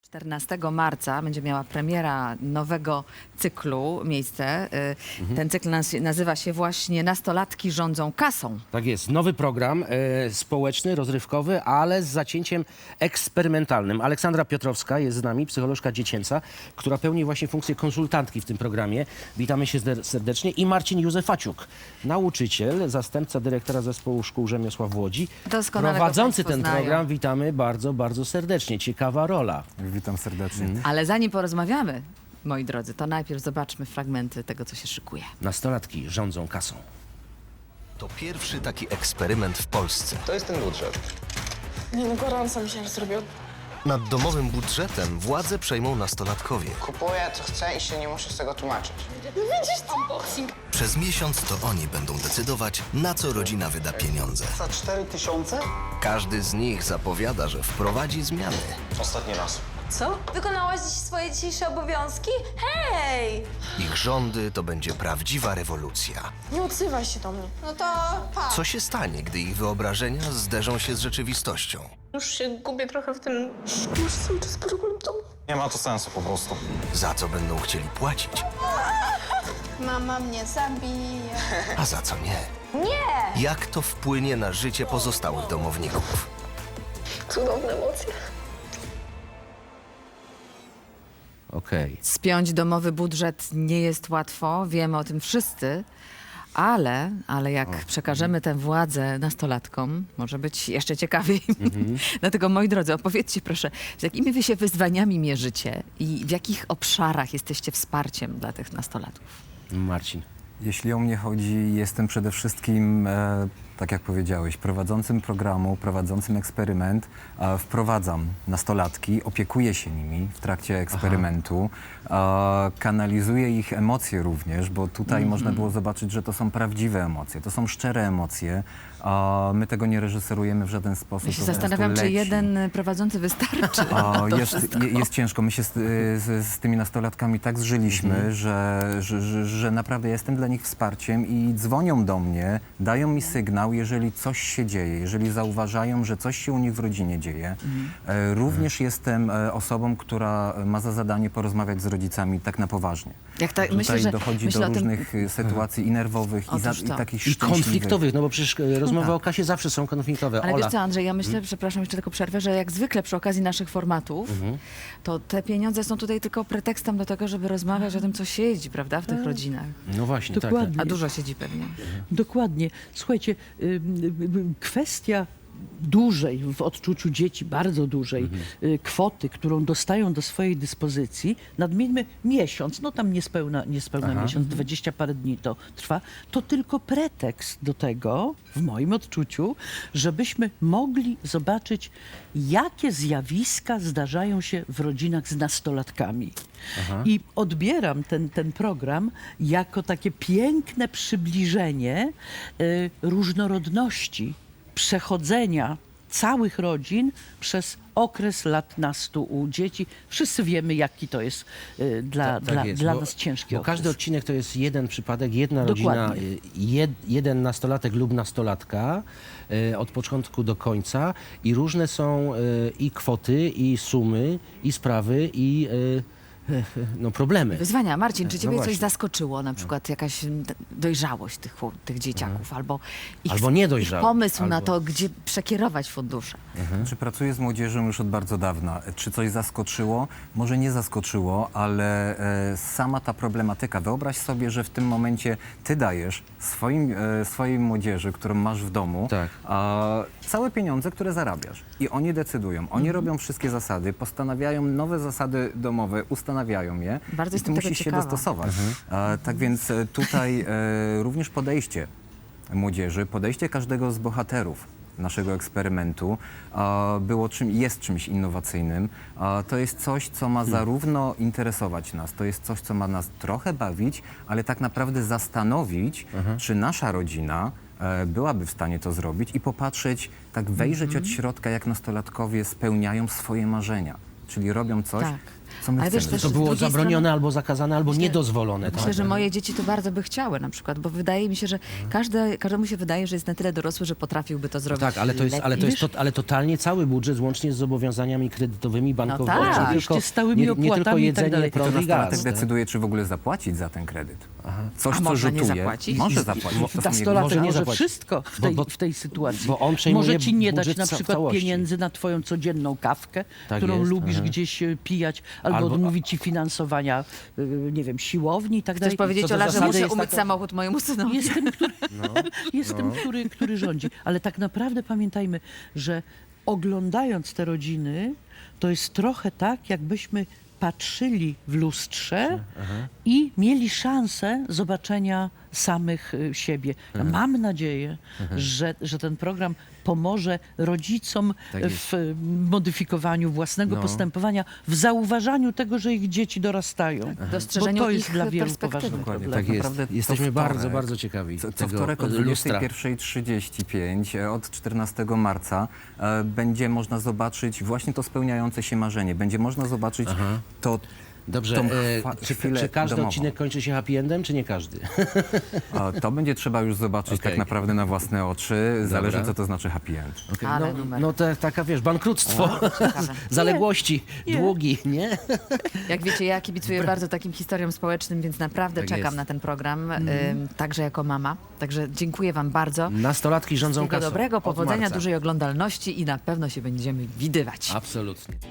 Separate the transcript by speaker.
Speaker 1: 14 marca będzie miała premiera nowego cyklu miejsce. Ten cykl nazywa się właśnie Nastolatki rządzą kasą.
Speaker 2: Tak jest, nowy program społeczny, rozrywkowy, ale z zacięciem eksperymentalnym. Aleksandra Piotrowska jest z nami, psycholożka dziecięca, która pełni właśnie funkcję konsultantki w tym programie. Witamy się serdecznie. I Marcin Józefaciuk, nauczyciel, zastępca dyrektora Zespołu Szkół Rzemiosła w Łodzi.
Speaker 1: Doskonale
Speaker 2: Prowadzący
Speaker 1: go
Speaker 2: ten
Speaker 1: znają.
Speaker 2: program. Witamy bardzo, bardzo serdecznie. Ciekawa rola.
Speaker 3: Witam serdecznie.
Speaker 1: Ale zanim porozmawiamy, moi drodzy, to najpierw zobaczmy fragmenty tego, co się szykuje.
Speaker 2: Nastolatki rządzą kasą.
Speaker 4: To pierwszy taki eksperyment w Polsce.
Speaker 5: To jest ten budżet.
Speaker 6: Nie no, gorąco mi się zrobił.
Speaker 4: Nad domowym budżetem władzę przejmą nastolatkowie.
Speaker 5: Kupuję co chcę i się nie muszę z tego tłumaczyć.
Speaker 6: No widzisz co? Unboxing.
Speaker 4: Przez miesiąc to oni będą decydować, na co rodzina wyda pieniądze.
Speaker 5: Za 4000?
Speaker 4: Każdy z nich zapowiada, że wprowadzi zmiany.
Speaker 5: Ostatni raz.
Speaker 7: Co? Wykonałaś dziś swoje dzisiejsze obowiązki? Hej!
Speaker 4: Ich rządy to będzie prawdziwa rewolucja.
Speaker 6: Nie odzywaj się do mnie.
Speaker 7: No to pa.
Speaker 4: Co się stanie, gdy ich wyobrażenia zderzą się z rzeczywistością?
Speaker 6: Już się gubię trochę w tym... Już cały czas problem to...
Speaker 5: Nie ma to sensu po prostu.
Speaker 4: Za co będą chcieli płacić,
Speaker 7: Mama mnie zabije.
Speaker 4: a za co nie?
Speaker 7: Nie!
Speaker 4: Jak to wpłynie na życie pozostałych domowników?
Speaker 6: Cudowne emocje.
Speaker 2: Okej.
Speaker 1: Spiąć domowy budżet nie jest łatwo, wiemy o tym wszyscy, ale jak przekażemy tę władzę nastolatkom, może być jeszcze ciekawiej. Dlatego, moi drodzy, opowiedzcie proszę, z jakimi wy się wyzwaniami mierzycie i w jakich obszarach jesteście wsparciem dla tych nastolatków?
Speaker 2: Marcin.
Speaker 3: Jeśli o mnie chodzi, jestem przede wszystkim, tak jak powiedziałeś, prowadzącym programu, prowadzącym eksperyment. Wprowadzam nastolatki, opiekuję się nimi w trakcie eksperymentu, kanalizuję ich emocje również, bo tutaj można było zobaczyć, że to są prawdziwe emocje, to są szczere emocje. My tego nie reżyserujemy w żaden sposób.
Speaker 1: Ja się
Speaker 3: to po prostu
Speaker 1: zastanawiam, czy
Speaker 3: leci.
Speaker 1: jeden prowadzący wystarczy.
Speaker 3: Jest ciężko. My się z tymi nastolatkami tak zżyliśmy, że naprawdę jestem dla nich wsparciem i dzwonią do mnie, dają mi sygnał, jeżeli coś się dzieje, jeżeli zauważają, że coś się u nich w rodzinie dzieje. Również jestem osobą, która ma za zadanie porozmawiać z rodzicami tak na poważnie.
Speaker 1: Jak ta,
Speaker 3: Tutaj
Speaker 1: myślę, że
Speaker 3: dochodzi
Speaker 1: myślę
Speaker 3: do
Speaker 1: o tym,
Speaker 3: różnych sytuacji i nerwowych, i
Speaker 1: Otóż to.
Speaker 3: takich
Speaker 2: I
Speaker 3: szczęśliwych.
Speaker 2: konfliktowych, no bo przecież rozmowy o kasie zawsze są konfliktowe.
Speaker 1: ale
Speaker 2: Ola.
Speaker 1: wiesz co, Andrzej, ja myślę, przepraszam, jeszcze tylko przerwę, że jak zwykle przy okazji naszych formatów, to te pieniądze są tutaj tylko pretekstem do tego, żeby rozmawiać o tym, co siedzi, prawda, w tych rodzinach.
Speaker 2: No właśnie, tak.
Speaker 8: Dokładnie.
Speaker 1: A dużo siedzi pewnie.
Speaker 8: Dokładnie. Słuchajcie, kwestia dużej, w odczuciu dzieci, bardzo dużej kwoty, którą dostają do swojej dyspozycji, nadmieńmy miesiąc, no tam niespełna miesiąc, 20 parę dni to trwa, to tylko pretekst do tego, w moim odczuciu, żebyśmy mogli zobaczyć, jakie zjawiska zdarzają się w rodzinach z nastolatkami. I odbieram ten program jako takie piękne przybliżenie różnorodności przechodzenia całych rodzin przez okres lat nastu u dzieci. Wszyscy wiemy, jaki to jest
Speaker 2: Tak jest,
Speaker 8: dla
Speaker 2: bo-
Speaker 8: nas ciężki
Speaker 2: Bo
Speaker 8: okres.
Speaker 2: każdy odcinek to jest jeden przypadek, jedna
Speaker 8: Dokładnie.
Speaker 2: rodzina, jeden nastolatek lub nastolatka od początku do końca i różne są i kwoty, i sumy, i sprawy, i no, problemy.
Speaker 1: Wyzwania. Marcin, czy ciebie coś
Speaker 2: właśnie.
Speaker 1: zaskoczyło? Na przykład jakaś dojrzałość tych dzieciaków albo ich,
Speaker 2: Albo niedojrzałość,
Speaker 1: ich pomysł na
Speaker 2: albo-
Speaker 1: to, gdzie przekierować fundusze.
Speaker 3: Czy pracuję z młodzieżą już od bardzo dawna? Czy coś zaskoczyło? Może nie zaskoczyło, ale sama ta problematyka. Wyobraź sobie, że w tym momencie ty dajesz swojej młodzieży, którą masz w domu,
Speaker 2: Tak.
Speaker 3: całe pieniądze, które zarabiasz. I oni decydują. Oni robią wszystkie zasady, postanawiają nowe zasady domowe, ustanawiają je.
Speaker 1: Bardzo
Speaker 3: I
Speaker 1: jestem
Speaker 3: ty
Speaker 1: tego
Speaker 3: musisz się
Speaker 1: ciekawa.
Speaker 3: dostosować. Tak więc tutaj również podejście młodzieży, podejście każdego z bohaterów naszego eksperymentu jest czymś innowacyjnym. To jest coś, co ma zarówno interesować nas, to jest coś, co ma nas trochę bawić, ale tak naprawdę zastanowić, czy nasza rodzina byłaby w stanie to zrobić i popatrzeć, tak wejrzeć od środka, jak nastolatkowie spełniają swoje marzenia. Czyli robią coś,
Speaker 1: Tak.
Speaker 3: co my
Speaker 1: Ale wiesz,
Speaker 3: chcemy.
Speaker 1: też
Speaker 2: To
Speaker 1: z
Speaker 2: było
Speaker 1: drugiej
Speaker 2: zabronione albo zakazane, albo niedozwolone.
Speaker 1: Myślę,
Speaker 2: tak?
Speaker 1: że moje dzieci to bardzo by chciały na przykład, bo wydaje mi się, że każdemu się wydaje, że jest na tyle dorosły, że potrafiłby to zrobić
Speaker 2: Tak, ale totalnie cały budżet, łącznie z zobowiązaniami kredytowymi, bankowymi.
Speaker 1: tak.
Speaker 2: nie
Speaker 8: Oczywiście stałymi
Speaker 2: nie tylko
Speaker 8: opłatami i tak
Speaker 2: jedzenie,
Speaker 8: dalej.
Speaker 3: I to
Speaker 2: prąd i
Speaker 3: nastolatek
Speaker 2: gaz. tak?
Speaker 3: decyduje, czy w ogóle zapłacić za ten kredyt. Coś,
Speaker 1: A
Speaker 3: co
Speaker 1: można nie
Speaker 3: rzutuje.
Speaker 1: zapłacić?
Speaker 3: Może zapłacić. To są jego
Speaker 8: Nastolatek
Speaker 2: może nie
Speaker 8: może
Speaker 2: zapłacić.
Speaker 8: wszystko w tej sytuacji.
Speaker 2: bo on przejmuje
Speaker 8: może ci nie dać
Speaker 2: budżet
Speaker 8: na
Speaker 2: w
Speaker 8: przykład
Speaker 2: całości.
Speaker 8: pieniędzy na twoją codzienną kawkę,
Speaker 2: Tak
Speaker 8: którą
Speaker 2: jest,
Speaker 8: lubisz gdzieś pijać, albo odmówić ci finansowania, nie wiem, siłowni i tak
Speaker 1: Chcesz
Speaker 8: dalej.
Speaker 1: powiedzieć,
Speaker 2: do
Speaker 1: Ola, że
Speaker 2: zasady
Speaker 1: muszę
Speaker 2: jest
Speaker 1: umyć
Speaker 2: taka-
Speaker 1: samochód mojemu synowi?
Speaker 8: Jestem, który rządzi. Ale tak naprawdę pamiętajmy, że oglądając te rodziny, to jest trochę tak, jakbyśmy patrzyli w lustrze i mieli szansę zobaczenia samych siebie. Ja mam nadzieję, że ten program pomoże rodzicom
Speaker 2: Tak jest.
Speaker 8: w modyfikowaniu własnego postępowania, w zauważaniu tego, że ich dzieci dorastają.
Speaker 1: Dostrzeżeniu
Speaker 8: Bo to jest
Speaker 1: ich
Speaker 8: dla wielu
Speaker 1: perspektywy.
Speaker 8: poważny
Speaker 3: Dokładnie,
Speaker 8: problem.
Speaker 2: Tak jest.
Speaker 3: naprawdę
Speaker 2: Jesteśmy
Speaker 3: co wtorek-
Speaker 2: bardzo, bardzo ciekawi
Speaker 3: Co
Speaker 2: tego
Speaker 3: wtorek o
Speaker 2: lustra.
Speaker 3: 21:35 od 14 marca będzie można zobaczyć właśnie to spełniające się marzenie. Będzie można zobaczyć to.
Speaker 2: Dobrze,
Speaker 3: tą
Speaker 2: czy każdy
Speaker 3: domową.
Speaker 2: odcinek kończy się happy endem, czy nie każdy?
Speaker 3: To będzie trzeba już zobaczyć
Speaker 2: Okej.
Speaker 3: tak naprawdę na własne oczy. Zależy, co to znaczy happy end.
Speaker 2: Okej,
Speaker 1: Ale numer.
Speaker 2: no taka, wiesz, bankructwo,
Speaker 1: ciekawe.
Speaker 2: zaległości, długi, nie?
Speaker 1: Jak wiecie, ja kibicuję bardzo takim historiom społecznym, więc naprawdę
Speaker 2: Tak
Speaker 1: czekam
Speaker 2: jest.
Speaker 1: na ten program, także jako mama. Także dziękuję wam bardzo.
Speaker 2: Nastolatki rządzą
Speaker 1: Wszystkiego
Speaker 2: kasą.
Speaker 1: dobrego,
Speaker 2: Od
Speaker 1: powodzenia,
Speaker 2: marca.
Speaker 1: dużej oglądalności i na pewno się będziemy widywać.
Speaker 2: Absolutnie.